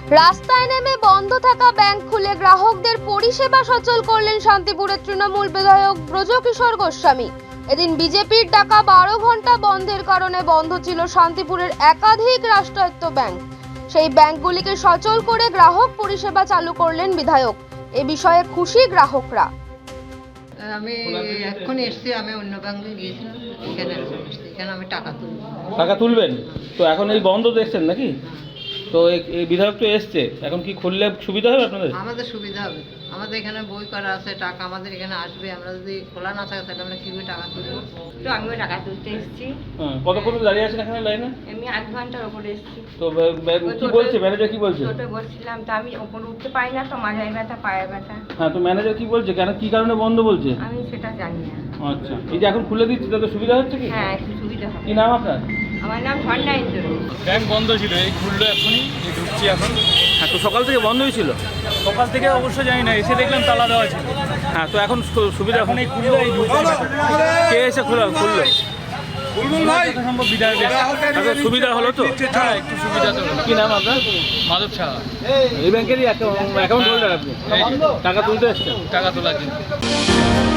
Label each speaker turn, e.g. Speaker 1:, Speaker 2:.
Speaker 1: রাস্তায় নেমে বন্ধ থাকা ব্যাংক খুলে গ্রাহকদের পরিষেবা সচল করলেন শান্তিপুরের তৃণমূল বিধায়ক ব্রজকিশোর গোস্বামী। এদিন বিজেপির ডাকা 12 ঘন্টা বন্ধের কারণে বন্ধ ছিল শান্তিপুরের একাধিক রাষ্ট্রায়ত্ত ব্যাংক। সেই ব্যাংকগুলিকে সচল করে গ্রাহক পরিষেবা চালু করলেন বিধায়ক। এ বিষয়ে খুশি গ্রাহকরা।
Speaker 2: আমি এখন এসছি, আমি অন্য ব্যাংকে গিয়েছিলাম, এখানে আমি
Speaker 3: টাকা তুলবেন। তো এখন এই বন্ধ দেখছেন নাকি? তো এই বিধায়ক তো এসছে, এখন কি খুললে সুবিধা হবে আপনাদের?
Speaker 2: আমাদের সুবিধা হবে, আমাদের এখানে বই করা আছে, টাকা আমাদের এখানে আসবে। আমরা যদি খোলা না থাকে তাহলে আমরা কীভাবে টাকা তুলবো?
Speaker 4: তো আমিও টাকা তুলতে এসেছি।
Speaker 3: কতক্ষণ দাঁড়িয়ে আছেন এখানে লাইনে?
Speaker 4: আমি 8 ঘন্টার ওপরে এসেছি।
Speaker 3: তো কি বলছে ম্যানেজার, কি বলছে?
Speaker 4: ছোটো বলছিলাম তো, আমি ওপরে উঠতে পারি না, তো মাথায় ব্যথা, পায়ে ব্যথা।
Speaker 3: হ্যাঁ, তো ম্যানেজার কি বলছে, কেন কি কারণে বন্ধ বলছে?
Speaker 4: আমি সেটা জানি না।
Speaker 3: আচ্ছা, এই যে এখন খুলে দিচ্ছি তাতে সুবিধা হচ্ছে কি?
Speaker 4: হ্যাঁ, একটু সুবিধা হবে।
Speaker 3: কি নাম আপনার?
Speaker 4: আমার নাম ঝর্ণা ইন্দ্র।
Speaker 5: ব্যাংক বন্ধ ছিল, এই খুললো এখনই, এই ঢুকছি এখন।
Speaker 3: হ্যাঁ, তো সকাল থেকে বন্ধই ছিল।
Speaker 5: সকাল থেকে অবশ্য জানি না, এসে দেখলাম তালা দেওয়া ছিল।
Speaker 3: হ্যাঁ, তো এখন সুবিধা
Speaker 5: এখন এই খুললো, এই ঢুকছি।
Speaker 3: কে এসে খুললো?
Speaker 5: যথাসম্ভব বিধায়ক এসে।
Speaker 3: তাদের সুবিধা হলো তো?
Speaker 5: হ্যাঁ, একটু সুবিধা তো হলো।
Speaker 3: কি নাম আপনার?
Speaker 5: মাধব সাহা।
Speaker 3: এই ব্যাংকেরই অ্যাকাউন্ট হোল্ডার আপনি?
Speaker 5: এই যে,
Speaker 3: টাকা তুলতে এসছেন?
Speaker 5: টাকা তোলা কিন্তু